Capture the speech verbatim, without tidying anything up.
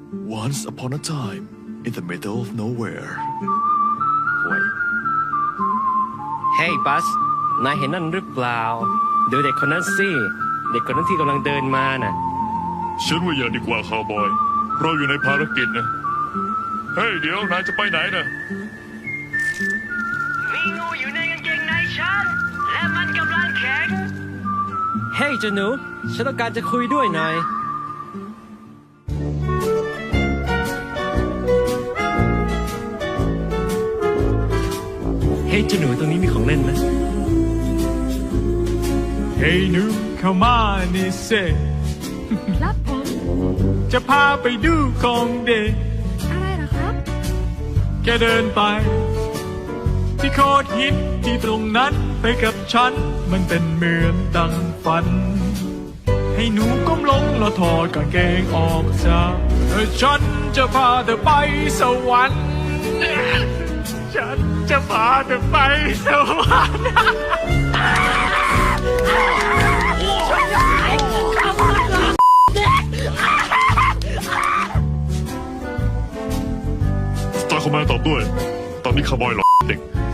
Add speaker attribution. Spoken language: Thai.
Speaker 1: Once upon a time in the middle of nowhere
Speaker 2: หวยเฮ้ยบัสนายเห็นนั่นหรือเปล่าดูเด็กคนนั้นสิเด็กคนนั้นที่กำลังเดินมาน่ะ
Speaker 3: ฉันว่าอย่าดีกว่าคาวบอยเราอยู่ในภารกิจนะเฮ้ยเดี๋ยวนายจะไปไหนนะ
Speaker 4: มีงูอยู่ในกางเกงในฉันและมันกำลังแข็ง
Speaker 2: เฮ้ยเจ้าหนูฉันต้องการจะคุยด้วยหน่อยเฮ้ยเจ้าหนูตรงนี้มีของเล่นไหม
Speaker 5: เฮ้ยหนูเข้ามานี่เซ
Speaker 6: ครับผม
Speaker 5: จะพาไปดูของเด็ก
Speaker 6: อะไรเหรอครับ
Speaker 5: แกเดินไปที่โคตรฮิตที่ตรงนั้นไปกับฉันมันเป็นเหมือนดังฝันให้หนูก้มลงแล้วถอดกางเกงออกซะฉันจะพาเธอไปสวรรค์ฉันจะพาเธอไปสวรรค์
Speaker 3: สตาร์คอมแมนตอบด้วยตอนนี้คาวบอยหลอกเด็ก